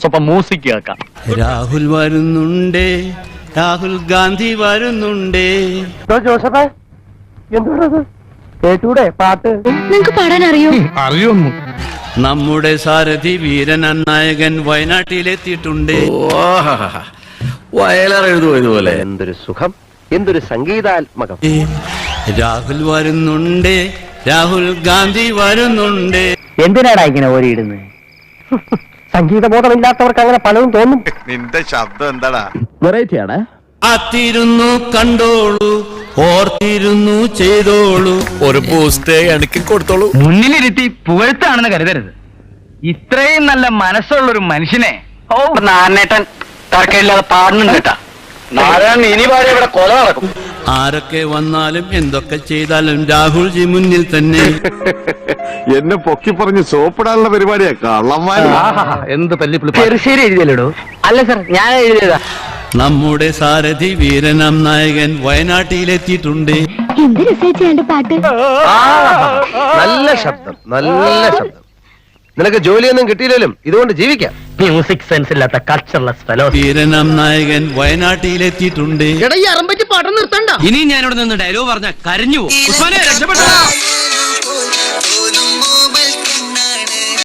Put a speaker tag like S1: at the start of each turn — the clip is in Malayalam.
S1: സ്വപ്പം മ്യൂസിക് കേൾക്കാം.
S2: രാഹുൽ വരുന്നുണ്ടേ, രാഹുൽ ഗാന്ധി വരുന്നുണ്ടേ.
S3: ജോസഫേ, എന്തുകൊണ്ടത് കേട്ടൂടെ പാട്ട്?
S4: നിങ്ങക്ക് പാടാൻ അറിയോ?
S1: അറിയൊന്നു.
S2: നമ്മുടെ സാരഥി വീരൻ നായകൻ വയനാട്ടിലെത്തിയിട്ടുണ്ട്.
S5: വയലാർ എഴുതുമോ ഇതുപോലെ?
S3: എന്തൊരു സുഖം, എന്തൊരു സംഗീതാത്മകം.
S2: രാഹുൽ വരുന്നുണ്ടേ, രാഹുൽ ഗാന്ധി വരുന്നുണ്ടേ.
S3: എന്തിനാടാ ഇങ്ങനെ ഓരിയിടുന്നത്? സംഗീതബോധമില്ലാത്തവർക്ക് അങ്ങനെ പലതും തോന്നും.
S6: നിന്റെ ശബ്ദം എന്താടാ?
S3: വെറൈറ്റിയാണ്.
S2: കാത്തിരുന്നു കണ്ടോളൂ, ഓർത്തിരുന്നു ചെയ്തോളൂ.
S5: ഒരു പോസ്റ്റ് എനിക്ക് കൊടുത്തോളൂ.
S1: മുന്നിലിരുത്തി പുകഴ്ത്താണെന്ന് കരുതരുത്. ഇത്രയും നല്ല മനസ്സുള്ളൊരു മനുഷ്യനെ നാരായണേട്ടൻ തർക്കമില്ലാതെ പാടുന്നുണ്ട് കേട്ടാ. നാരായണൻ ഇനി പാടി ഇവിടെ കൊല നടക്കും.
S2: ആരൊക്കെ വന്നാലും എന്തൊക്കെ ചെയ്താലും രാഹുൽജി മുന്നിൽ തന്നെ.
S6: എന്നെ പൊക്കി പറഞ്ഞ് സോപ്പിടാനുള്ള പരിപാടിയാ കള്ളന്മാർ.
S1: എന്ത് തല്ലിപ്പിളി.
S3: ചെറുശ്ശേരി എഴുതിയല്ലോ? അല്ല സർ, ഞാൻ എഴുതിയതാ.
S2: നമ്മുടെ സാരഥി വീരനാം നായകൻ വയനാട്ടിലെത്തിയിട്ടുണ്ട്.
S4: എന്ത് രസിച്ചാണ്ട് പാട്ട്.
S3: നല്ല ശബ്ദം, നല്ല ശബ്ദം. നിനക്ക് ജോലിയൊന്നും കിട്ടിയില്ലേലും ഇതുകൊണ്ട് ജീവിക്കാം.
S1: മ്യൂസിക് സെൻസ് ഇല്ലാത്ത കൾച്ചർലെസ് ഫെലോ.
S2: വീരനാം നായകൻ വയനാട്ടിലെത്തിയിട്ടുണ്ട്.
S7: പാഠം നിർത്തണ്ട.
S2: ഇനി ഞാനിവിടെ നിന്ന് ഡയലോഗ് പറഞ്ഞ കരഞ്ഞു പോകും.